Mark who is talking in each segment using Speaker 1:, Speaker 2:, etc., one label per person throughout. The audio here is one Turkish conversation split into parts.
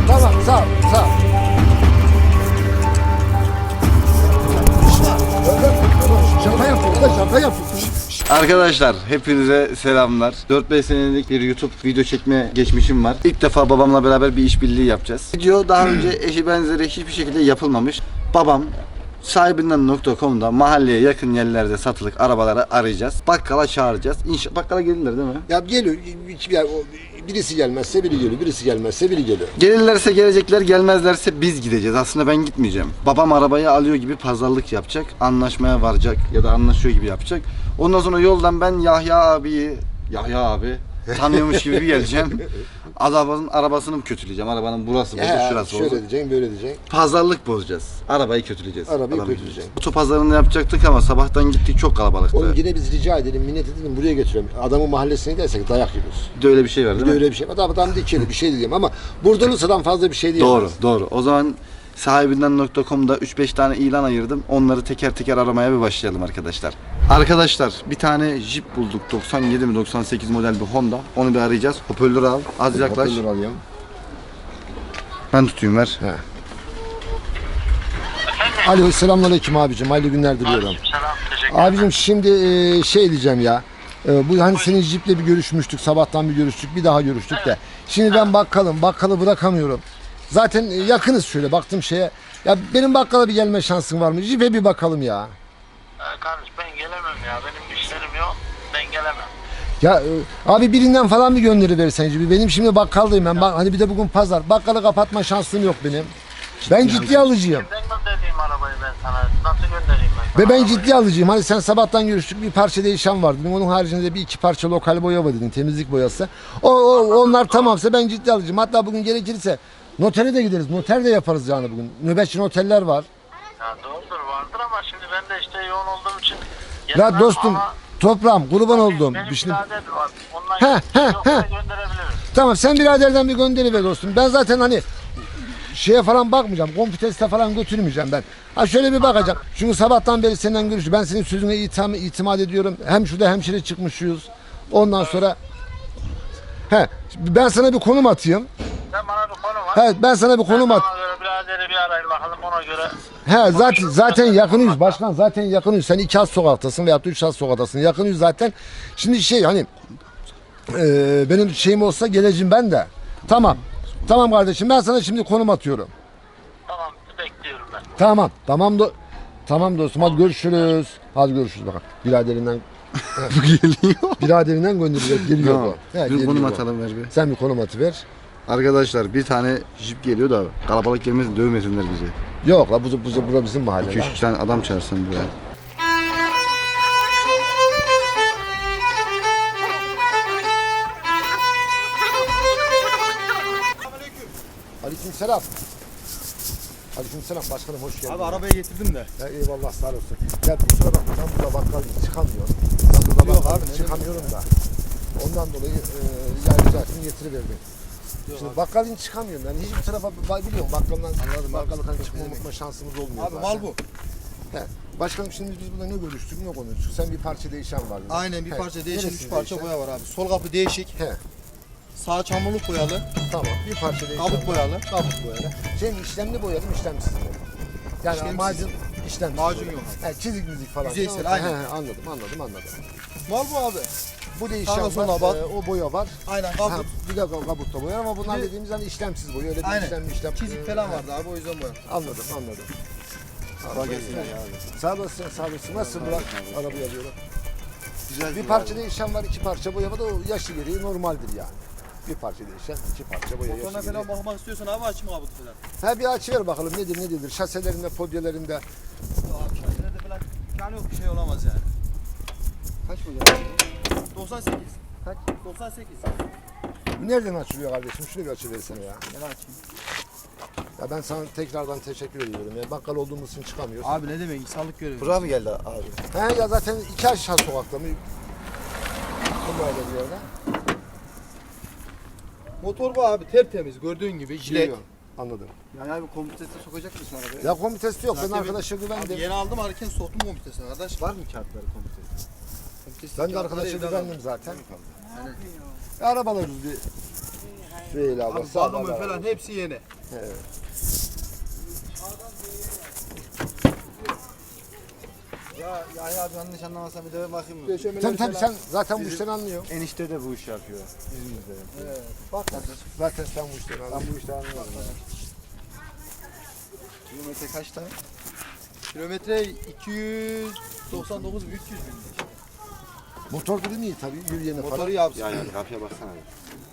Speaker 1: Tamam sağ ol. Sağ ol. Şaka yapıyor da şaka yapıyor.
Speaker 2: Arkadaşlar hepinize selamlar. 4-5 senelik bir YouTube video çekme geçmişim var. İlk defa babamla beraber bir işbirliği yapacağız. Video daha önce eşi benzeri hiçbir şekilde yapılmamış. Babam sahibinden.com'da mahalleye yakın yerlerde satılık arabaları arayacağız. Bakkala çağıracağız. Bakkala gelirler değil mi?
Speaker 1: Ya geliyor. Birisi gelmezse biri geliyor. Birisi gelmezse biri geliyor.
Speaker 2: Gelirlerse gelecekler, gelmezlerse biz gideceğiz. Aslında ben gitmeyeceğim. Babam arabayı alıyor gibi pazarlık yapacak. Anlaşmaya varacak ya da anlaşıyor gibi yapacak. Ondan sonra yoldan ben Yahya abi tanıyormuş gibi bir geleceğim. Adamın arabasını mı kötüleyeceğim? Arabanın burası bozuk, şurası
Speaker 1: şöyle
Speaker 2: bozuk.
Speaker 1: diyeceksin, böyle diyeceksin.
Speaker 2: Pazarlık bozacağız. Arabayı kötüleyeceğiz.
Speaker 1: Arabayı
Speaker 2: Adamı
Speaker 1: kötüleyeceksin.
Speaker 2: Oto pazarını yapacaktık ama sabahtan gittik, çok kalabalıktı.
Speaker 1: Oğlum yine biz rica edelim, minnet edelim, buraya götürelim. Adamın mahallesine gidersek dayak yiyoruz.
Speaker 2: Bir de öyle bir şey var
Speaker 1: Bir
Speaker 2: değil
Speaker 1: de
Speaker 2: mi?
Speaker 1: öyle bir şey var. Adam dikeli bir şey diyeyim ama burada olursadan fazla bir şey diyemez.
Speaker 2: Doğru. O zaman sahibinden.com'da 3-5 tane ilan ayırdım. Onları teker teker aramaya bir başlayalım arkadaşlar. Arkadaşlar bir tane Jeep bulduk. 97 mi 98 model bir Honda. Onu bir arayacağız. Hoparlörü al. Az yaklaş.
Speaker 1: Hoparlör alayım.
Speaker 2: Ben tutayım ver.
Speaker 1: He. Alo, selamünaleyküm abicim. Hayırlı günler diliyorum.
Speaker 3: Selam, teşekkür
Speaker 1: Abicim şimdi şey diyeceğim ya. Bu hani senin Jeep'le bir görüşmüştük. Sabahtan bir görüştük. Bir daha görüştük de. Şimdi ben bakkalı bırakamıyorum. Zaten yakınız şöyle baktım şeye. Ya benim bakkala bir gelme şansın var mı? Jeep'e bir bakalım ya.
Speaker 3: Kardeş ben gelemem ya. Benim işlerim yok. Ben gelemem.
Speaker 1: Ya abi birinden falan bir gönderi versen Jeep'i. Benim şimdi bakkaldayım ben. Hani bir de bugün pazar. Bakkalı kapatma şansım yok benim. Ben ciddi alıcıyım.
Speaker 3: Kimden göndereyim arabayı ben sana? Nasıl göndereyim ben sana
Speaker 1: Ve ben
Speaker 3: arabayı?
Speaker 1: ciddi alıcıyım. Hani sen sabahtan görüştük, bir parça değişen var dedin. Onun haricinde bir iki parça lokal boya var dedin. Temizlik boyası. Onlar tamamsa ben ciddi alıcıyım. Hatta bugün gerekirse notere de gideriz. Noter de yaparız yani bugün. Nöbetçi noterler var.
Speaker 3: Ya doğrudur vardır ama şimdi ben de işte yoğun olduğum için
Speaker 1: Ya
Speaker 3: gelemem
Speaker 1: dostum,
Speaker 3: ama
Speaker 1: toprağım, kurban oldum.
Speaker 3: benim
Speaker 1: Şimdi...
Speaker 3: birader var. Ondan
Speaker 1: He,
Speaker 3: yoksa gönderebiliriz.
Speaker 1: Tamam, sen biraderden bir gönderi ver dostum. Ben zaten hani şeye falan bakmayacağım. Kompiteste falan götürmeyeceğim ben. Ha şöyle bir bakacağım. Çünkü sabahtan beri senden görüşüyorum. Ben senin sözüne itimat ediyorum. Hem şurada hemşire çıkmışız. Ondan sonra ben sana bir konum atayım.
Speaker 3: Sen bana bir konu var.
Speaker 1: Ben sana bir konum at.
Speaker 3: Ona göre biraderi bir arayın bakalım ona göre.
Speaker 1: Zaten yakınıyız başkan. Zaten yakınıyız. Sen 2 az sokaktasın veyahut da 3 az sokaktasın. Yakınıyız zaten. Şimdi şey hani benim şeyim olsa geleceğim ben de. Tamam kardeşim, ben sana şimdi konum atıyorum.
Speaker 3: Tamam bekliyorum ben.
Speaker 1: Tamam dostum, hadi görüşürüz. Hadi görüşürüz bakalım. Biraderinden
Speaker 2: Bu geliyor.
Speaker 1: biraderinden gönderiyor. Geliyor
Speaker 2: Tamam.
Speaker 1: bu. He,
Speaker 2: Bir
Speaker 1: geliyor
Speaker 2: konum
Speaker 1: bu.
Speaker 2: atalım ver bir.
Speaker 1: Sen bir konum atıver.
Speaker 2: Arkadaşlar bir tane Jeep geliyor da kalabalık gelmesin, dövmesinler bizi.
Speaker 1: Yok la bu bizim mahalle.
Speaker 2: 2-3 tane adam çağırsın buraya.
Speaker 1: Aleykümselam. Aleykümselam başkanım, hoş geldin.
Speaker 4: Abi arabayı getirdim de.
Speaker 1: Ya eyvallah, sağ olasın. Ya kusura bakma, ben burada bakkal çıkamıyorum. Ben burada bakkal çıkamıyorum da. Ondan dolayı rica getiriverdim. Şimdi bakkalın çıkamıyorum yani, hiçbir tarafa biliyorum bakkaldan bakkaldan çıkma şansımız olmuyor.
Speaker 4: Abi
Speaker 1: zaten.
Speaker 4: mal bu.
Speaker 1: He. Başkanım şimdi biz burada ne görüştük ne konuştuk? Sen bir parça değişen var.
Speaker 4: Aynen bir
Speaker 1: He.
Speaker 4: parça değişik,
Speaker 1: Neresi
Speaker 4: 3 parça
Speaker 1: değişen?
Speaker 4: boya var abi. Sol kapı değişik,
Speaker 1: He.
Speaker 4: sağ çamurluk boyalı,
Speaker 1: Tamam, bir parça değişen
Speaker 4: kabuk
Speaker 1: var.
Speaker 4: boyalı.
Speaker 1: Kabuk boyalı. Senin işlemli boyalı mı işlemsiz mi? Yani
Speaker 4: İşlemsiz.
Speaker 1: macun işlemsiz.
Speaker 4: Macun
Speaker 1: boya.
Speaker 4: yok.
Speaker 1: He, çizik müzik falan.
Speaker 4: Yüzeysel,
Speaker 1: He,
Speaker 4: aynen.
Speaker 1: anladım.
Speaker 4: Mal bu abi.
Speaker 1: Bu
Speaker 4: Sağda
Speaker 1: değişen
Speaker 4: solda
Speaker 1: var,
Speaker 4: bak.
Speaker 1: o boya var.
Speaker 4: Aynen
Speaker 1: Ha,
Speaker 4: kabuk.
Speaker 1: bir de kabukta boya ama bunlar
Speaker 4: Bir de-
Speaker 1: dediğimiz hani işlemsiz boya. Öyle bir
Speaker 4: Aynen.
Speaker 1: işlem.
Speaker 4: Çizik falan vardı abi o yüzden boya.
Speaker 1: Anladım.
Speaker 2: Kolay gelsin ya.
Speaker 1: Sağ olasın. Nasıl bırak arabayı alıyorum.
Speaker 2: Güzel
Speaker 1: Bir parça değişen var, 2 parça boya var da o yaşı gereği normaldir yani. Bir parça değişen, 2 parça boya yaşı
Speaker 4: Motoruna
Speaker 1: gereği.
Speaker 4: falan bakmak istiyorsan abi açayım kabutu falan.
Speaker 1: Bir açıver bakalım nedir ne değildir. Şaselerinde, podyelerinde.
Speaker 4: Abi şahane falan imkanı yok, bir şey olamaz yani.
Speaker 1: Kaç boya?
Speaker 4: 98.
Speaker 1: Kaç?
Speaker 4: 98.
Speaker 1: Nereden açılıyor kardeşim? Şunu bir açıversene ya.
Speaker 4: Gel açayım.
Speaker 1: Ya ben sana tekrardan teşekkür ediyorum ya. Bakkal olduğumuz için çıkamıyoruz.
Speaker 4: Abi ne demek, insanlık görevi.
Speaker 2: Buraya mı geldi abi?
Speaker 1: Ya zaten 2 aşağı sokakta mı? Böyle bir yerde.
Speaker 4: Motor bu abi, tertemiz gördüğün gibi, jilet.
Speaker 1: Biliyorum, anladım.
Speaker 2: Yani abi kompüteste sokacak mısın arabayı?
Speaker 1: Ya komitesi yok. Ben
Speaker 4: Zaten
Speaker 1: arkadaşa
Speaker 4: Abi
Speaker 1: güvendim.
Speaker 4: yeni aldım hareket soktum komitesine kardeş.
Speaker 2: Var mı kağıtları kompüteste?
Speaker 4: Komitesi
Speaker 1: Ben de
Speaker 4: kağıtları
Speaker 1: arkadaşa
Speaker 4: evden
Speaker 1: güvendim
Speaker 4: aldım.
Speaker 1: zaten.
Speaker 4: Yani
Speaker 1: Arabalarız bir Süheyla abla
Speaker 4: Abi
Speaker 1: sağ ol.
Speaker 4: bakımı falan hepsi yeni.
Speaker 2: Ya abi yanlış anlamasam bir de bakayım mı?
Speaker 4: Döşemeleri
Speaker 1: Tabii
Speaker 4: falan.
Speaker 1: sen zaten bu işten anlıyorsun.
Speaker 2: Enişte de bu işi yapıyor İzmir'de.
Speaker 4: Evet. Bak
Speaker 1: Zaten sen bu işten anlıyorsun.
Speaker 2: Ben bu işten anlıyorum ya. Kilometre kaçta?
Speaker 4: kilometre 299 300 bin.
Speaker 1: Motor durumu iyi tabii. Yürüyene
Speaker 4: Motoru
Speaker 1: falan.
Speaker 4: yapsın.
Speaker 2: Ya kapıya baksana abi.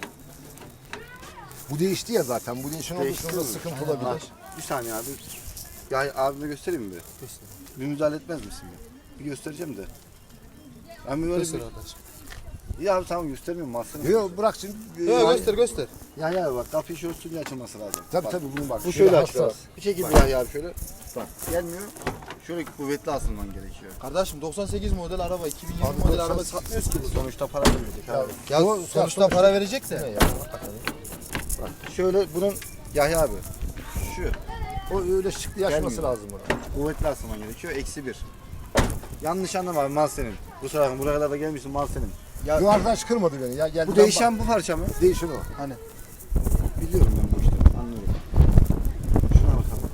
Speaker 1: Bu değişti ya zaten. Bu değişen olduğu için
Speaker 2: Değişti
Speaker 1: orada
Speaker 2: mi?
Speaker 1: sıkıntı olabilir.
Speaker 2: Bir saniye abi. Ya abime göstereyim mi?
Speaker 4: Göster.
Speaker 2: Bir müdahale etmez misin? Bir göstereceğim de. Ben bir böyle
Speaker 4: Göster
Speaker 2: bir...
Speaker 4: kardeşim.
Speaker 2: Ya abi tamam göstermiyorum aslında.
Speaker 1: Yok bırak şimdi.
Speaker 4: Yok göster.
Speaker 2: Ya bak kapıyı şöyle üstünce açılması lazım.
Speaker 1: Tabii
Speaker 2: Bak,
Speaker 1: tabii bunu bak.
Speaker 2: Bu şöyle
Speaker 1: hassas.
Speaker 2: açılır. Bir şekilde ya abi şöyle. Bak gelmiyor. Şöyle kuvvetli asılman gerekiyor.
Speaker 4: Kardeşim 98 model araba 2020
Speaker 1: Abi
Speaker 4: model
Speaker 1: 90
Speaker 4: araba satmıyoruz ki.
Speaker 2: Sonuçta para verecek abi.
Speaker 4: Ya
Speaker 1: Bu-
Speaker 4: sonuçta para verecek de.
Speaker 2: Bak şöyle bunun Yahya abi. Şu
Speaker 1: O öyle şıklı yaşması
Speaker 2: Gelmiyor.
Speaker 1: lazım ona.
Speaker 2: kuvvetli asılman gerekiyor. -1. Yanlış anlama abi mal senin. Bu sıra buraya kadar da gelmişsin mal senin.
Speaker 1: Bu arkadaş kırmadı beni ya. Geldi
Speaker 2: Bu değişen bu parça mı?
Speaker 1: Değişen o.
Speaker 4: Hani
Speaker 2: Biliyorum ben bu işleri. Anlıyorum. Şuna bakalım.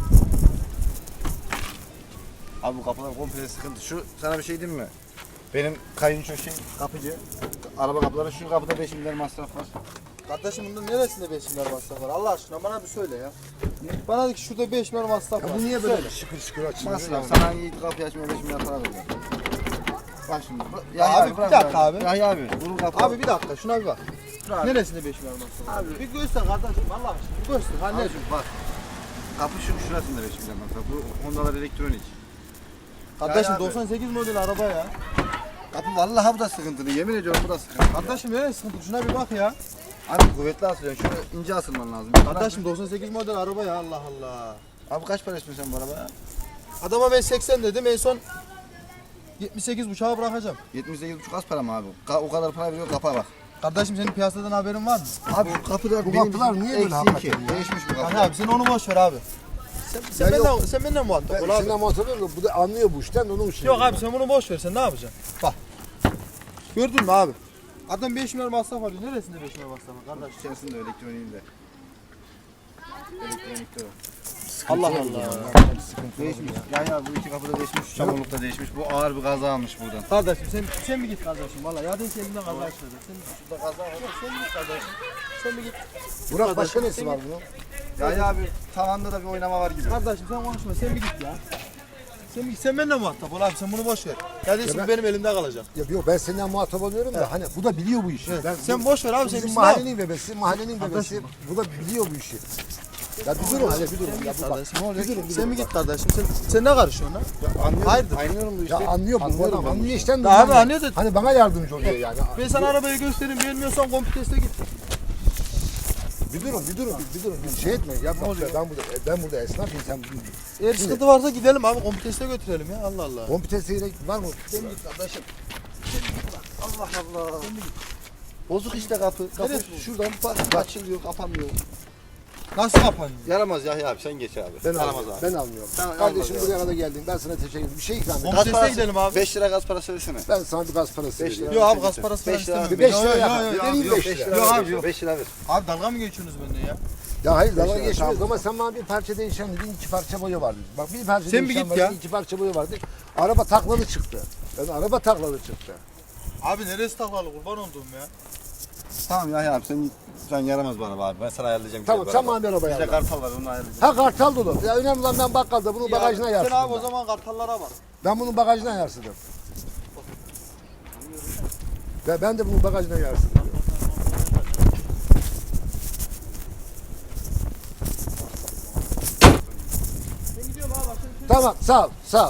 Speaker 2: Abi bu kapılar komple sıkıntı. Şu sana bir şey diyeyim mi? Benim kayınço kapıcı. Araba kapıları şu kapıda 5 milyar masraf var.
Speaker 4: kardeşim bunun neresinde 5 milyar masraf var? Allah aşkına bana bir söyle ya. Bana de ki şurada 5 milyar masraf var.
Speaker 1: Ya bu niye böyle
Speaker 4: Söyle.
Speaker 1: şıkır şıkır açılıyor?
Speaker 2: Masraf.
Speaker 1: yani?
Speaker 2: Sana iyi kapıyı açmaya 5 milyar para veriyor. Bak şimdi.
Speaker 4: Ya abi, bir dakika abi.
Speaker 2: Yahya abi. Bunun kapı.
Speaker 4: Abi bir dakika şuna bir bak.
Speaker 2: abi.
Speaker 4: Neresinde 5 milyar masraf var? Bir göster kardeşim Allah aşkına. Bir göster. Ha ne?
Speaker 2: Abi bak. Kapı şurasında 5 milyar masraf. Bu Honda'lar elektronik.
Speaker 4: Kardeşim
Speaker 2: abi.
Speaker 4: 98 model araba ya.
Speaker 2: Kapı vallahi bu da sıkıntılı. Yemin ediyorum bu da sıkıntılı.
Speaker 4: Kardeşim neresi sıkıntı? Şuna bir bak ya.
Speaker 2: Abi kuvvetli asılıyorsun. Şöyle ince asılman lazım.
Speaker 4: Kardeşim 98 model araba ya Allah Allah.
Speaker 2: Abi kaç para istiyorsun sen bu arabaya?
Speaker 4: Adama ben 80 dedim en son 78 buçuğa bırakacağım.
Speaker 2: 78,5 az para mı abi? O kadar para veriyor kapa bak.
Speaker 4: Kardeşim senin piyasadan haberin var mı?
Speaker 2: Abi bu kapılar
Speaker 1: Bu kapılar niye böyle hakikaten ya?
Speaker 2: Değişmiş bu kapılar.
Speaker 4: Hani abi sen onu boş ver abi. Sen
Speaker 1: Ya
Speaker 4: benden muhatap
Speaker 1: Ben
Speaker 4: ol abi.
Speaker 1: sinema hatırlıyorum da bu da anlıyor bu işten de onun için.
Speaker 4: Yok abi sen bunu boş ver sen ne yapacaksın? Bak. Gördün mü abi? Adam 5 milyar masraf alıyor. Neresinde 5 milyar masraf var kardeş?
Speaker 2: İçerisinde elektroniğinde. Elektronikte o.
Speaker 4: Allah Allah.
Speaker 2: Değişmiş. Ya bu iki kapı da değişmiş. Şu çamurluk da değişmiş. Bu ağır bir kaza almış buradan.
Speaker 4: Kardeşim sen mi git kardeşim? Valla ya sen elinden kaza açmadın. Sen şurada kaza var. Sen mi git kardeşim? Sen mi git?
Speaker 1: Burak başka nesi var bunun?
Speaker 2: Ya abi tavanda da bir oynama var gibi.
Speaker 4: Kardeşim sen konuşma sen mi git ya? Sen mi git? Sen benimle muhatap ol abi sen bunu boş ver. Kardeşim
Speaker 1: ben-
Speaker 4: benim elimde kalacak.
Speaker 1: Ya yok ben senden muhatap oluyorum da hani bu da biliyor bu işi. Ben,
Speaker 4: Sen boş ver abi sen
Speaker 1: bizim
Speaker 4: gitsin abi.
Speaker 1: mahallenin bebesi, mahallenin bebesi bu da biliyor bu işi. Ya bir durun hadi bir durun. Ya bu bak.
Speaker 4: Kardeşim ne oluyor?
Speaker 1: Bir durun, bir
Speaker 4: Sen
Speaker 1: durun
Speaker 4: mi
Speaker 1: bak.
Speaker 4: git kardeşim? Sen ne karışıyorsun lan?
Speaker 2: Anlıyorum.
Speaker 4: Hayırdır?
Speaker 2: Anlıyorum bu işte.
Speaker 1: Ya anlıyor bu
Speaker 2: Anlıyorum
Speaker 1: adam.
Speaker 2: ben bu
Speaker 1: Anlıyor
Speaker 2: işi.
Speaker 1: işten de.
Speaker 4: Ya abi
Speaker 1: anlıyor.
Speaker 4: anlıyor da-
Speaker 1: Hani bana yardımcı oluyor yani.
Speaker 4: Ben sana arabayı göstereyim beğenmiyorsan komple teste git.
Speaker 1: Bir durun. Bir şey etme. Ya bak, ben burada esnafım sen
Speaker 4: Eğer sıkıntı varsa gidelim abi komple teste götürelim ya Allah Allah.
Speaker 1: kompitesiyle var mı?
Speaker 2: Sen git kardeşim. Allah Allah. Bozuk işte kapı. Kapı
Speaker 4: Neresi
Speaker 2: şuradan bak açılıyor, kapanmıyor.
Speaker 4: Nasıl kapanıyor?
Speaker 2: Yaramaz Yahya abi sen geç abi.
Speaker 1: Ben
Speaker 2: Yaramaz
Speaker 1: almıyorum.
Speaker 2: abi.
Speaker 1: Ben almıyorum.
Speaker 2: Sen
Speaker 1: Kardeşim
Speaker 2: almaz
Speaker 1: buraya kadar geldin. Ben sana teşekkür ederim. Bir şey ikram edeyim.
Speaker 4: Gaz parası- gidelim abi.
Speaker 2: 5 lira gaz parası versene.
Speaker 1: Ben sana bir gaz parası
Speaker 2: 5
Speaker 1: vereyim.
Speaker 2: lira.
Speaker 4: Yok abi gaz parası falan
Speaker 2: 5 lira.
Speaker 4: istemiyorum.
Speaker 1: Bir 5
Speaker 4: Yok,
Speaker 1: lira
Speaker 4: yok,
Speaker 1: yap.
Speaker 4: yok, yok.
Speaker 1: Vereyim
Speaker 2: Yok
Speaker 1: 5
Speaker 2: 5
Speaker 1: lira.
Speaker 2: lira.
Speaker 4: Yok
Speaker 2: ver,
Speaker 4: abi, yok.
Speaker 2: 5 lira ver.
Speaker 4: Abi dalga mı geçiyorsunuz benden ya?
Speaker 1: Ya hayır dalga
Speaker 2: lira,
Speaker 1: geçmiyoruz
Speaker 2: tamam.
Speaker 1: ama sen bana bir parça değişen dedin, iki parça boya vardı. Bak bir parça
Speaker 4: Sen bir
Speaker 1: değişen
Speaker 4: git
Speaker 1: vardı,
Speaker 4: ya.
Speaker 1: iki parça boya vardı. Araba taklalı çıktı. Yani araba taklalı çıktı.
Speaker 4: Abi neresi taklalı kurban olduğum ya?
Speaker 2: Tamam Yahya abi sen yaramaz bana abi. Ben sana ayarlayacağım.
Speaker 1: Tamam
Speaker 2: güzel
Speaker 1: sen
Speaker 2: bir araba.
Speaker 1: bana bir araba
Speaker 2: Bizde
Speaker 1: ayarla.
Speaker 2: kartal var onu ayarlayacağım.
Speaker 1: Ha kartal dolu. Ya önemli olan ben bakkalda bunun bagajına
Speaker 4: Sen
Speaker 1: yarsıdım.
Speaker 4: abi o
Speaker 1: ben.
Speaker 4: zaman kartallara bak.
Speaker 1: Ben bunun bagajına yarsıdım. Ve ben de bunun bagajına yarsıdım.
Speaker 4: Ben gidiyorum abi.
Speaker 1: Tamam sağ ol sağ ol.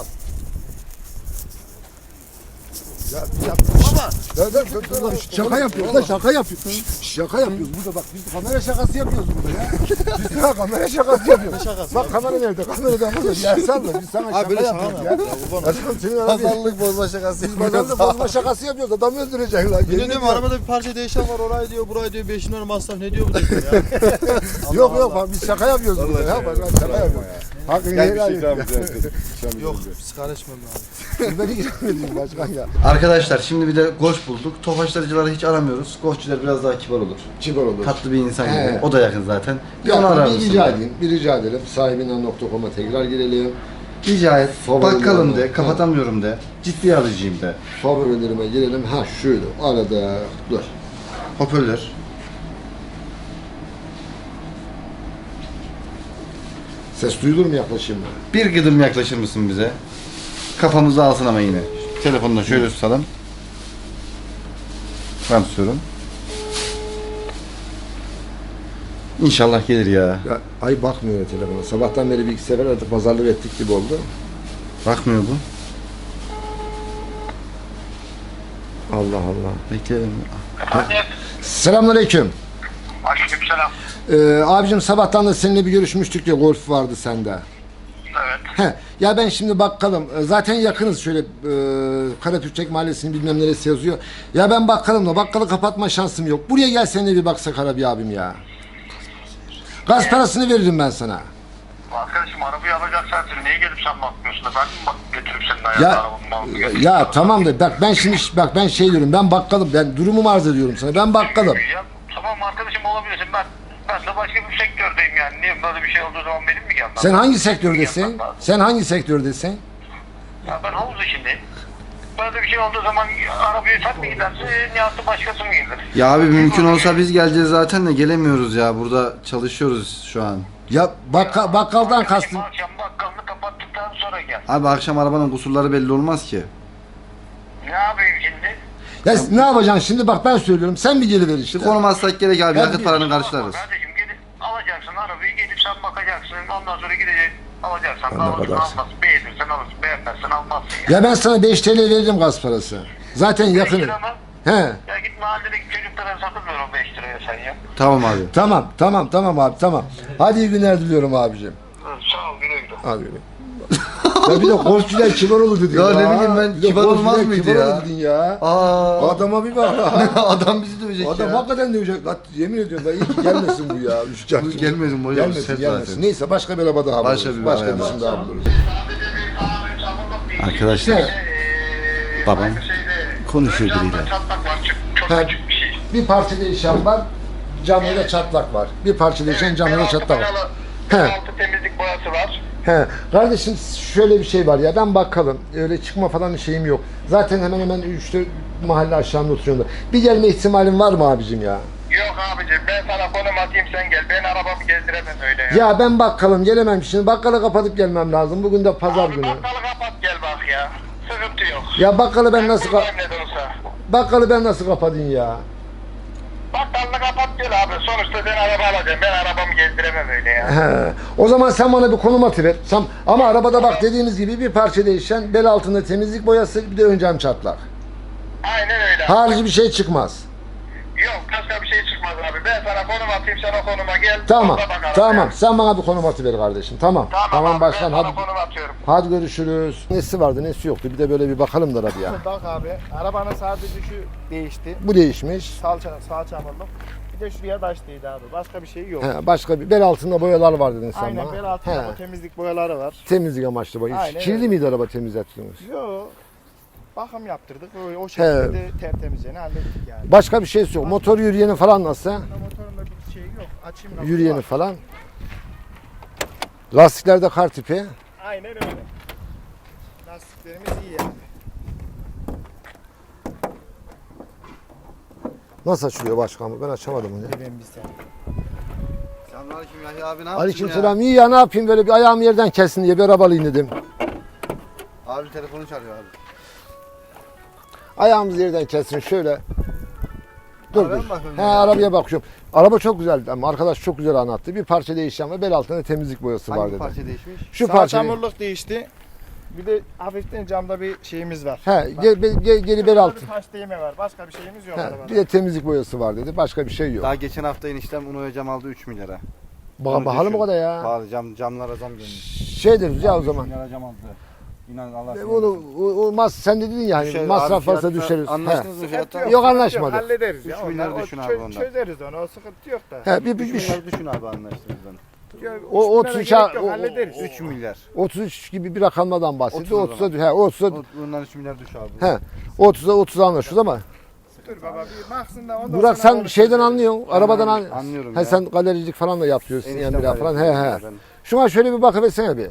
Speaker 1: Ya
Speaker 4: Baba.
Speaker 1: dur, şaka yapıyoruz da şaka yapıyoruz. Şaka yapıyoruz burada bak biz kamera şakası yapıyoruz burada ya. Biz daha kamera şakası yapıyoruz.
Speaker 4: Ne şakası
Speaker 1: Bak kamera nerede? Kameradan burada. Yersen de biz sana
Speaker 4: Abi
Speaker 1: şaka
Speaker 4: böyle şaka
Speaker 1: yapıyoruz
Speaker 4: mı?
Speaker 1: ya.
Speaker 4: Ya kurban
Speaker 1: Aşkım senin araba
Speaker 2: Pazarlık bozma şakası
Speaker 1: biz pazarda bozma şakası yapıyoruz. Adamı öldürecek lan.
Speaker 4: Yemin
Speaker 1: Yemin
Speaker 4: ediyorum
Speaker 1: ediyorum.
Speaker 4: arabada bir parça değişen var orayı diyor burayı diyor 5 lira masraf ne diyor bu diyor ya.
Speaker 1: Yok bak biz şaka yapıyoruz burada ya. Bak şaka yapıyoruz. Hakkını
Speaker 5: Gel bir
Speaker 1: helal
Speaker 5: şey
Speaker 1: et.
Speaker 5: ikram edeceğim.
Speaker 4: Yok sigara içmem abi.
Speaker 1: Beni girmedin başkan ya.
Speaker 2: Arkadaşlar şimdi bir de golf bulduk. Tofaşlarıcıları hiç aramıyoruz. Golfçiler biraz daha kibar olur.
Speaker 1: Kibar olur.
Speaker 2: Tatlı bir insan gibi.
Speaker 1: He.
Speaker 2: O da yakın zaten. Bir
Speaker 1: Ya
Speaker 2: onu arar
Speaker 1: bir
Speaker 2: mısın?
Speaker 1: rica edeyim. Bir rica edelim. Sahibinden.com'a tekrar girelim.
Speaker 2: Rica et.
Speaker 1: Favorilerim
Speaker 2: Bakkalım
Speaker 1: var.
Speaker 2: de, kapatamıyorum de. Ciddi alıcıyım de.
Speaker 1: Favorilerime girelim. Ha şöyle arada dur.
Speaker 2: Hoparlör.
Speaker 1: Ses duyulur mu yaklaşayım mı?
Speaker 2: Bir gıdım yaklaşır mısın bize? Kafamızı alsın ama yine. Telefonunu da şöyle tutalım. Ben tutuyorum. İnşallah gelir ya.
Speaker 1: Ya, ay bakmıyor ya telefona. Sabahtan beri bir iki sefer artık pazarlık ettik gibi oldu.
Speaker 2: Bakmıyor bu.
Speaker 1: Allah Allah.
Speaker 2: Bekleyelim.
Speaker 3: Hadi.
Speaker 1: Selamünaleyküm.
Speaker 3: Aleykümselam.
Speaker 1: Abicim sabahtan da seninle bir görüşmüştük ya, golf vardı sende.
Speaker 3: Evet.
Speaker 1: He, ya ben şimdi bakkalım. Zaten yakınız şöyle Karapürçek Mahallesi'nin bilmem neresi yazıyor. Ya ben bakkalımla bakkalı kapatma şansım yok. Buraya gel seninle bir baksak Arabi abim ya. Gaz parasını veririm ben sana.
Speaker 3: Arkadaşım arabayı alacaksan sen niye gelip sen bakmıyorsun da ben mi götürüp senin
Speaker 1: Ya
Speaker 3: ayağına arabamı
Speaker 1: ya tamam da bak ben şimdi bak ben şey diyorum, ben bakkalım, ben durumumu arz ediyorum sana, ben bakkalım.
Speaker 3: Ya tamam arkadaşım olabilirsin, ben de başka bir sektördeyim yani. Niye böyle bir şey olduğu zaman benim mi gelmem?
Speaker 1: Sen hangi sektördesin?
Speaker 3: Gelmem lazım.
Speaker 1: Sen hangi sektördesin?
Speaker 3: Ya ben havuz içindeyim. Böyle bir şey olduğu zaman arabayı sen mi gidersin, Nihat'ı başkası mı gelir?
Speaker 2: Ya abi mümkün olsa biz geleceğiz zaten de gelemiyoruz ya. Burada çalışıyoruz şu an.
Speaker 1: Ya bakkaldan kastım.
Speaker 3: Akşam bakkalını kapattıktan sonra gel.
Speaker 2: Abi akşam arabanın kusurları belli olmaz ki.
Speaker 3: Ne yapayım şimdi?
Speaker 1: Ya ne yapacaksın şimdi, bak ben söylüyorum, sen bir geliver işte.
Speaker 2: Konum atsak gerek abi.
Speaker 1: Ben
Speaker 2: Yakıt
Speaker 1: bir-
Speaker 2: paranı karşılarız.
Speaker 3: Kardeşim gelip alacaksın arabayı, gelip sen bakacaksın. Ondan sonra gideceksin alacaksan da
Speaker 1: Allah
Speaker 3: alırsın,
Speaker 1: bakarsın.
Speaker 3: almazsın. Beğenirsen alırsın, beğenmezsen almazsın ya.
Speaker 1: Ya ben sana 5 TL veririm gaz parası. Zaten yakınım.
Speaker 3: lira mı?
Speaker 1: He.
Speaker 3: Ya git mahalledeki çocuklara satılmıyor o 5 liraya sen ya.
Speaker 2: Tamam abi.
Speaker 1: Tamam abi, tamam. Hadi iyi günler diliyorum abicim.
Speaker 3: Sağ ol, güle güle.
Speaker 1: Hadi güle. Ya bir de golfçüler kibar olur dedin
Speaker 2: Ya ne bileyim ben,
Speaker 1: Bir de
Speaker 2: kibar olmaz
Speaker 1: golfçüler
Speaker 2: mıydı
Speaker 1: kibar
Speaker 2: ya?
Speaker 1: olur dedin ya.
Speaker 2: Aa.
Speaker 1: Adama bir bak.
Speaker 2: Adam bizi dövecek
Speaker 1: Adam
Speaker 2: ya.
Speaker 1: hakikaten dövecek. Yemin ediyorum ben iyi ki gelmesin bu ya.
Speaker 2: Bu gelmesin bu ya,
Speaker 1: Gelmesin,
Speaker 2: sert
Speaker 1: gelmesin.
Speaker 2: zaten.
Speaker 1: Neyse başka bir araba daha
Speaker 2: Başka
Speaker 1: buluruz.
Speaker 2: bir
Speaker 1: Başka
Speaker 2: araba
Speaker 1: birisini daha buluruz.
Speaker 2: Arkadaşlar babam konuşuyor biriyle.
Speaker 3: Çatlak var, çok
Speaker 1: Ha.
Speaker 3: küçük bir şey.
Speaker 1: Bir parça değişen var. Camında çatlak var. Bir parça değişen camında çatlak var. He.
Speaker 3: Altı temizlik boyası var.
Speaker 1: He, kardeşim şöyle bir şey var ya, ben bakalım, öyle çıkma falan şeyim yok. Zaten hemen hemen 3-4 mahalle aşağımda oturuyorum da. Bir gelme ihtimalin var mı abicim ya?
Speaker 3: Yok abicim, ben sana konum atayım sen gel. Ben arabamı gezdiremem öyle ya.
Speaker 1: Ya ben bakkalım gelemem şimdi, bakkalı kapatıp gelmem lazım. Bugün de pazar
Speaker 3: Abi
Speaker 1: günü.
Speaker 3: bakkalı kapat gel bak ya. Sıkıntı yok.
Speaker 1: Ya bakkalı ben nasıl
Speaker 3: Buradayım ne de olsa.
Speaker 1: bakkalı ben nasıl kapatayım ya?
Speaker 3: Bakkalını kapat gel abi. Sonuçta ben araba alacağım. Ben arabamı gezdiremem öyle ya.
Speaker 1: He. O zaman sen bana bir konum atıver. Ama arabada bak dediğimiz gibi bir parça değişen, bel altında temizlik boyası, bir de ön cam çatlak.
Speaker 3: Aynen öyle.
Speaker 1: Harici bir şey çıkmaz.
Speaker 3: Yok başka bir şey çıkmaz abi. Ben sana konum atayım sen o konuma gel.
Speaker 1: Tamam.
Speaker 3: Orada bakalım
Speaker 1: Tamam.
Speaker 3: ya.
Speaker 1: Sen bana bir konum atıver kardeşim. Tamam.
Speaker 3: Tamam abi,
Speaker 1: başkan
Speaker 3: ben
Speaker 1: hadi.
Speaker 3: sana konum atıyorum.
Speaker 1: Hadi görüşürüz. Nesi vardı, nesi yoktu? Bir de böyle bir bakalım da arabaya.
Speaker 4: Bak abi arabanın sadece şu değişti.
Speaker 1: Bu değişmiş.
Speaker 4: Sağ çamurluk. Bir de şuraya taş değdi abi. Başka bir şey yok.
Speaker 1: He, başka bir bel altında boyalar var dedin sen
Speaker 4: Aynen
Speaker 1: bana.
Speaker 4: bel altında
Speaker 1: He,
Speaker 4: bu temizlik boyaları var.
Speaker 1: temizlik amaçlı boya.
Speaker 4: Aynen
Speaker 1: Kirli
Speaker 4: öyle.
Speaker 1: miydi araba temizlettiniz?
Speaker 4: Yo. Bakım yaptırdık. O şekilde de tertemizliğini hallettik yani.
Speaker 1: Başka bir şey yok. Motor yürüyeni falan nasıl?
Speaker 4: Motorunda bir şey yok. Açayım lafı
Speaker 1: Yürüyeni
Speaker 4: var.
Speaker 1: falan. Lastiklerde kar tipi.
Speaker 4: Aynen öyle. Lastiklerimiz iyi yani.
Speaker 1: Nasıl açılıyor başkanım? Ben açamadım onu.
Speaker 4: Ben bir sen.
Speaker 2: Selamünaleyküm Yahya abi, ne
Speaker 1: Aleykümselam. İyi ya, ne yapayım, böyle bir ayağım yerden kesin diye bir arabalıyım dedim.
Speaker 2: Abi telefonu çalıyor abi.
Speaker 1: Ayağımız yerden kesin şöyle. Dur
Speaker 2: Arabaya
Speaker 1: dur.
Speaker 2: mı bakıyorsun
Speaker 1: He,
Speaker 2: ya?
Speaker 1: arabaya bakıyorum. Araba çok güzeldi ama arkadaş çok güzel anlattı. Bir parça değişen ve bel altında temizlik boyası var
Speaker 2: Hangi
Speaker 1: dedi.
Speaker 2: parça değişmiş?
Speaker 1: Şu
Speaker 4: Sağ
Speaker 1: parça.
Speaker 4: çamurluk değişti. Bir de hafiften camda bir şeyimiz var.
Speaker 1: He, geri bel altı.
Speaker 4: Bir taş değme var. Başka bir şeyimiz yok
Speaker 1: He,
Speaker 4: arabada.
Speaker 1: bir de temizlik boyası var dedi. Başka bir şey yok.
Speaker 2: Daha geçen hafta eniştem Uno'ya cam aldı 3 milyara.
Speaker 1: Bakalım o kadar ya.
Speaker 2: Pahalı camlara zam gelmiş.
Speaker 1: Şey deriz ya o zaman.
Speaker 2: milyara cam aldı. İnan Allah
Speaker 1: Olmaz, sen de dedin ya hani masraf varsa düşeriz. He.
Speaker 2: Anlaştınız mı fiyatta?
Speaker 1: Yok, anlaşmadık.
Speaker 4: Hallederiz ya.
Speaker 2: 3 milyar
Speaker 4: Onlar,
Speaker 2: düşün
Speaker 4: o
Speaker 2: abi ondan.
Speaker 4: çözeriz onu. O sıkıntı yok da.
Speaker 1: He, bir
Speaker 2: 3 milyar düşün abi anlaştığınızdan.
Speaker 1: O 33'a
Speaker 4: hallederiz.
Speaker 2: 3 milyar.
Speaker 1: 33 gibi bir rakamlardan bahsediyor.
Speaker 2: 30 o
Speaker 1: 30'a he 30'a
Speaker 2: Bundan 3 milyar düş abi.
Speaker 1: he 30'a 30 anlaşıyoruz ama
Speaker 4: Dur baba bir baksın da ondan
Speaker 1: Burak
Speaker 4: sonra
Speaker 1: sen şeyden anlıyorsun. Arabadan
Speaker 2: Anlıyorum
Speaker 1: He
Speaker 2: ya.
Speaker 1: sen galericilik falan da yapıyorsun
Speaker 2: Eniştem
Speaker 1: yani
Speaker 2: var
Speaker 1: falan.
Speaker 2: ya,
Speaker 1: He he.
Speaker 2: ben-
Speaker 1: Şuna şöyle bir bakıversene bir.
Speaker 2: Abi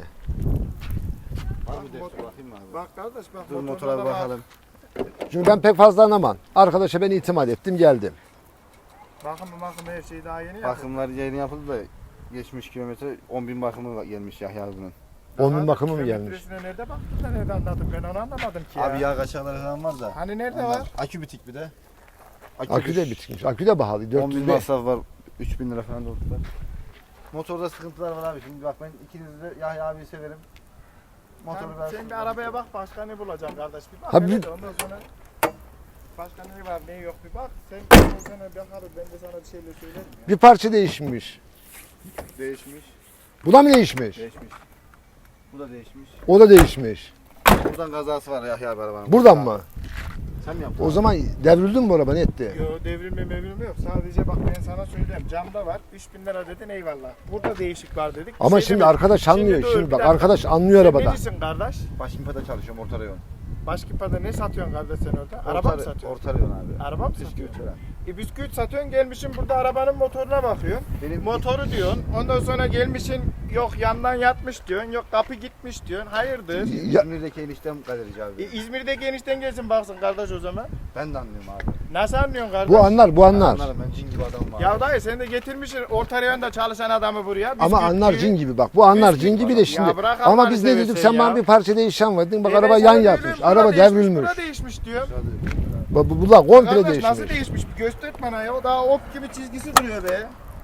Speaker 2: de bakayım abi.
Speaker 4: Bak kardeş bak.
Speaker 2: Dur
Speaker 4: motoruna
Speaker 2: motora
Speaker 4: da
Speaker 2: bir
Speaker 4: bak.
Speaker 2: bakalım.
Speaker 1: Çünkü ben pek fazla anlamam. Arkadaşa ben itimat ettim geldim.
Speaker 4: Bakın her şey daha yeni yapıldı.
Speaker 2: Bakımlar yeni yapıldı da geçmiş kilometre 10.000 bakımı gelmiş Yahya abinin.
Speaker 1: Onun bakımı mı gelmiş?
Speaker 4: Kilometresine nerede baktın da nerede anladın ben onu anlamadım ki ya.
Speaker 2: Abi yağ kaçakları falan var da.
Speaker 4: Hani nerede
Speaker 2: Onlar-
Speaker 4: var?
Speaker 2: Akü bitik bir de.
Speaker 1: Akü de bitmiş. Akü de pahalı.
Speaker 2: 10.000
Speaker 1: 400
Speaker 2: masraf var. 3.000 lira falan doldular. Motorda sıkıntılar var abi. Şimdi bak ben ikinizi de Yahya abiyi severim. Motoru
Speaker 4: Sen bir arabaya bak başka ne bulacaksın kardeş bir bak.
Speaker 1: Ha,
Speaker 4: hele
Speaker 1: bir-
Speaker 4: de ondan sonra başka ne var ne yok bir bak. Sen o sana bakarız ben de sana bir şeyler söylerim ya.
Speaker 1: Bir parça değişmiş.
Speaker 2: değişmiş.
Speaker 1: Bu da mı değişmiş?
Speaker 2: Değişmiş. Bu da değişmiş.
Speaker 1: O da değişmiş.
Speaker 2: Buradan kazası var Yahya abi arabanın.
Speaker 1: Buradan mı?
Speaker 2: Sen mi yaptın?
Speaker 1: O zaman devrildi mi bu araba? Ne etti?
Speaker 4: Yo devrilme yok. Sadece bak ben sana söyleyeyim. Camda var. 3000 lira dedin eyvallah. Burada değişik var dedik. Bir
Speaker 1: Ama
Speaker 4: şey
Speaker 1: şimdi
Speaker 4: demedik.
Speaker 1: arkadaş anlıyor.
Speaker 4: dur,
Speaker 1: Şimdi
Speaker 4: bir
Speaker 1: bak
Speaker 4: dakika.
Speaker 1: arkadaş anlıyor
Speaker 4: Sen
Speaker 1: arabada.
Speaker 4: necisin kardeş?
Speaker 2: Başkimpa'da çalışıyorum orta rayon.
Speaker 4: Başkimpa'da ne satıyorsun kardeş sen orada? Araba mı satıyorsun?
Speaker 2: Orta rayon abi.
Speaker 4: Araba mı
Speaker 2: Bisküvit
Speaker 4: satıyorsun?
Speaker 2: falan.
Speaker 4: Bisküvit satıyorsun gelmişsin burada arabanın motoruna bakıyorsun.
Speaker 2: Benim
Speaker 4: Motoru diyorsun. Ondan sonra gelmişsin yok yandan yatmış diyorsun. Yok kapı gitmiş diyorsun. Hayırdır?
Speaker 1: Ya-
Speaker 2: İzmir'deki eniştem galerici abi.
Speaker 4: İzmir'deki enişten gelsin baksın kardeş o zaman.
Speaker 2: Ben de anlıyorum abi.
Speaker 4: Nasıl anlıyorsun kardeş?
Speaker 1: Bu anlar, bu anlar.
Speaker 2: Anlarım ben cin gibi adamım abi.
Speaker 4: Ya dayı sen de getirmişsin orta rayonda çalışan adamı buraya.
Speaker 1: Ama
Speaker 4: bisküvitçi.
Speaker 1: anlar cin gibi bak. Bu anlar
Speaker 4: Bisküvit-
Speaker 1: cin gibi de
Speaker 4: Ya
Speaker 1: şimdi.
Speaker 4: bırak
Speaker 1: Ama
Speaker 4: Allah'ını
Speaker 1: biz ne dedik?
Speaker 4: seversen
Speaker 1: Sen bana
Speaker 4: ya.
Speaker 1: bir parça değişen var dedin. Bak
Speaker 4: Ben
Speaker 1: araba
Speaker 4: sana
Speaker 1: yan
Speaker 4: söylüyorum,
Speaker 1: yatmış.
Speaker 4: bura
Speaker 1: Araba
Speaker 4: değişmiş,
Speaker 1: devrilmiş.
Speaker 4: Bura değişmiş diyor.
Speaker 1: Bu da komple
Speaker 4: Kardeş nasıl
Speaker 1: değişmiş.
Speaker 4: değişmiş? Bir göster bana ya. O daha ok gibi çizgisi duruyor be.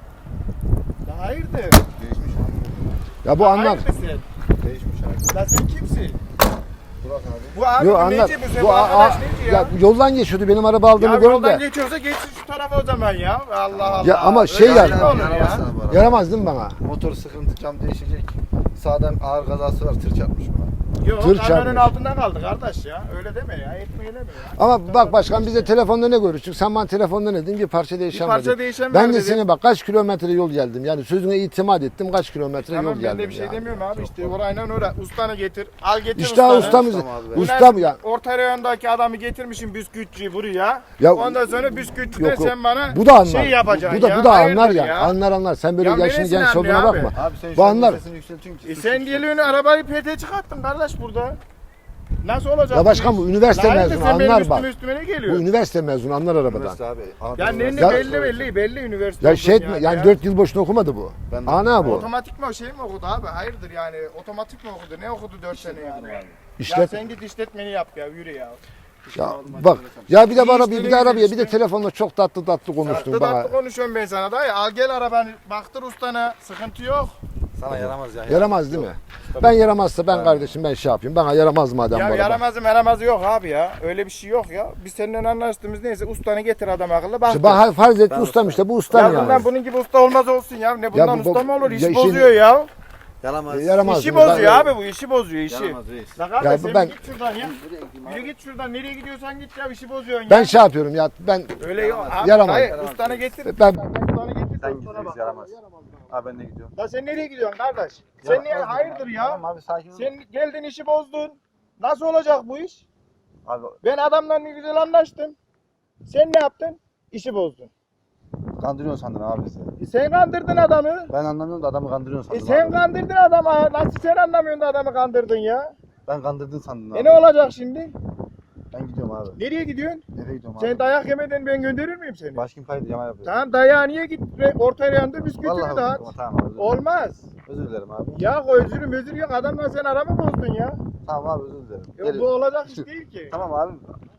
Speaker 4: Ya hayırdır?
Speaker 2: Değişmiş abi.
Speaker 1: Ya bu anlar.
Speaker 4: Hayırdır sen?
Speaker 2: Değişmiş abi.
Speaker 4: Ya sen kimsin?
Speaker 2: Burak abi.
Speaker 4: Bu abi
Speaker 1: Yo
Speaker 4: bu
Speaker 1: anlar.
Speaker 4: neci bu? Sen
Speaker 1: Bu
Speaker 4: bu arkadaş neci ya?
Speaker 1: ya yoldan geçiyordu benim araba
Speaker 4: Ya
Speaker 1: aldığımı gördü
Speaker 4: yoldan
Speaker 1: de.
Speaker 4: geçiyorsa geçsin şu tarafa o zaman ya. Allah Allah.
Speaker 1: Ya ama
Speaker 4: Öyle
Speaker 1: şey
Speaker 4: şey
Speaker 1: yani-
Speaker 4: mi olur ya?
Speaker 2: Yaramazsın bu araba.
Speaker 1: Yaramaz değil mi bana?
Speaker 2: Motor sıkıntı, cam değişecek. Sağdan ağır kazası var, tır çarpmış buna.
Speaker 4: Yok
Speaker 1: Tır
Speaker 4: kamyonun
Speaker 1: çarpmış.
Speaker 4: altından kaldı kardeş ya. Öyle deme ya. Etmeyelim ya.
Speaker 1: Ama bak başkan bize telefonda ne görüştük? Sen bana telefonda ne dedin? Bir parça değişen
Speaker 4: Bir parça
Speaker 1: var dedin.
Speaker 4: değişen
Speaker 1: Ben
Speaker 4: var
Speaker 1: de
Speaker 4: dedin.
Speaker 1: seni bak kaç kilometre yol geldim. Yani sözüne itimat ettim. Kaç kilometre
Speaker 4: Tamam
Speaker 1: yol
Speaker 4: ben
Speaker 1: geldim
Speaker 4: de bir şey
Speaker 1: yani.
Speaker 4: demiyorum abi işte orayla oraya. Ustanı getir. Al getir
Speaker 1: İşte
Speaker 4: ustanı.
Speaker 1: ustamız.
Speaker 2: Ustam abi.
Speaker 1: Usta mı ya?
Speaker 4: Orta rayondaki adamı getirmişim bisküvitçiyi buraya.
Speaker 1: Ya-
Speaker 4: Ondan sonra bisküvitçiden
Speaker 1: Yok, yok.
Speaker 4: sen bana
Speaker 1: Bu da anlar.
Speaker 4: şey yapacaksın
Speaker 1: Bu da
Speaker 4: ya.
Speaker 1: bu da
Speaker 4: Hayırdır
Speaker 1: anlar ya. Anlar. Sen böyle
Speaker 4: Ya
Speaker 1: yaşın
Speaker 4: neresini
Speaker 1: genç olduğuna
Speaker 4: anlıyor
Speaker 1: bakma.
Speaker 2: Abi sen
Speaker 1: Bu
Speaker 2: şu an
Speaker 1: anlar.
Speaker 2: sesini yükseltiyorsun ki.
Speaker 4: Sen geliyorsun arabayı PT çıkarttın kardeş burada. Nasıl olacak?
Speaker 1: Ya başkan
Speaker 4: iş?
Speaker 1: bu üniversite
Speaker 4: Hayırdır,
Speaker 1: mezunu
Speaker 4: sen benim
Speaker 1: anlar bak.
Speaker 4: üstüme ne
Speaker 1: Bu
Speaker 4: geliyor?
Speaker 1: üniversite mezunu anlar arabadan.
Speaker 2: Üniversite abi.
Speaker 4: Ya ne
Speaker 1: Ya-
Speaker 4: belli üniversite.
Speaker 1: Ya şey
Speaker 4: olduğun
Speaker 1: etme yani 4 yıl boşuna okumadı bu.
Speaker 2: Ben de-
Speaker 1: Ana bu.
Speaker 4: Otomatik mi o şey mi okudu abi? Hayırdır yani otomatik mi okudu? Ne okudu 4 sene yani? Ya
Speaker 1: İşlet.
Speaker 4: sen git işletmeni yap ya yürü ya.
Speaker 1: Ya bak. Ya bir de bana
Speaker 4: İşleri
Speaker 1: bir de arabaya bir de
Speaker 4: işte.
Speaker 1: telefonla çok tatlı konuştun
Speaker 4: Tatlı
Speaker 1: bana.
Speaker 4: tatlı konuşuyorum ben sana da ya. Al gel arabanı baktır ustana sıkıntı yok.
Speaker 2: Sana yaramaz ya.
Speaker 1: Yaramaz değil mi? Ben yaramazsa ben kardeşim ben şey yapayım. Bana yaramaz madem bu
Speaker 4: Ya
Speaker 1: araba.
Speaker 4: yaramazı yok abi ya. Öyle bir şey yok ya. Biz seninle anlaştığımız neyse ustanı getir adam akıllı bak.
Speaker 1: İşte bak farz et ustam işte bu ustam
Speaker 4: Ya
Speaker 1: yani.
Speaker 4: bundan bunun gibi usta olmaz olsun ya. Ne bundan
Speaker 1: bu-
Speaker 4: usta mı olur?
Speaker 1: ya
Speaker 4: İşi
Speaker 1: işin-
Speaker 4: bozuyor ya.
Speaker 2: Yaramaz.
Speaker 1: Yaramaz.
Speaker 4: İşi
Speaker 1: değil mi? Ben-
Speaker 4: bozuyor abi bu işi bozuyor işi.
Speaker 2: Yaramaz reis.
Speaker 4: La kardeş
Speaker 1: Ya
Speaker 4: sen
Speaker 1: ben-
Speaker 4: git şuradan ya. Yürü git şuradan nereye gidiyorsan git ya işi bozuyorsun
Speaker 1: Ben
Speaker 4: ya.
Speaker 1: şey yapıyorum ya ben
Speaker 4: Öyle yok abi.
Speaker 1: Yaramaz.
Speaker 4: Hayır ustanı getir.
Speaker 1: ben
Speaker 4: Ustanı getir.
Speaker 2: Sen
Speaker 4: ustana
Speaker 2: git
Speaker 4: bak.
Speaker 2: reis yaramaz. Abi ben de gidiyorum.
Speaker 4: La sen nereye gidiyorsun kardeş? Sen niye hayırdır ya?
Speaker 2: Tamam abi sakin ol.
Speaker 4: Sen geldin işi bozdun. Nasıl olacak bu iş?
Speaker 2: Abi
Speaker 4: Ben adamla ne güzel anlaştım. Sen ne yaptın? İşi bozdun.
Speaker 2: kandırıyorsun sandın abi bizi.
Speaker 4: Sen kandırdın adamı.
Speaker 2: Ben anlamıyorum da adamı kandırıyorsun sandım
Speaker 4: Sen
Speaker 2: abi.
Speaker 4: kandırdın adamı. Nasıl sen anlamıyorsun da adamı kandırdın ya?
Speaker 2: Ben kandırdın sandım abi.
Speaker 4: Ne olacak şimdi?
Speaker 2: Ben gidiyorum abi.
Speaker 4: Nereye gidiyorsun?
Speaker 2: Nereye gidiyorum abi?
Speaker 4: Sen dayak yemeden ben gönderir miyim seni?
Speaker 2: Başkim kaydı yama yapıyor.
Speaker 4: Tamam dayağı niye git orta yanda bisküvitini
Speaker 2: Vallahi
Speaker 4: dağıt.
Speaker 2: tamam abi.
Speaker 4: Olmaz.
Speaker 2: Özür dilerim abi.
Speaker 4: Ya özür yok adamla sen aramı bozdun ya.
Speaker 2: Tamam abi özür dilerim.
Speaker 4: Yok
Speaker 2: Gelin.
Speaker 4: bu olacak iş değil ki.
Speaker 2: Tamam abi.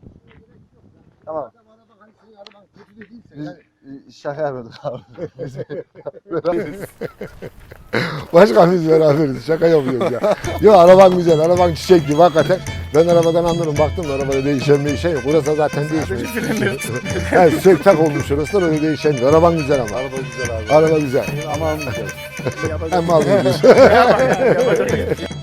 Speaker 2: Tamam. Biz şaka yapıyorduk abi.
Speaker 1: başka biz beraberiz. Şaka yapıyoruz ya. Yo araban güzel. Araban çiçek gibi hakikaten. Ben arabadan anlarım. Baktım da arabada değişen bir şey yok. Burası zaten değişmiyor. Yani sök tak olmuş orası da öyle değişen yok. Araban güzel ama.
Speaker 2: Araba güzel abi.
Speaker 1: Araba güzel.
Speaker 2: Ama almayacağız.
Speaker 1: Hem almayacağız.
Speaker 4: Yapacak-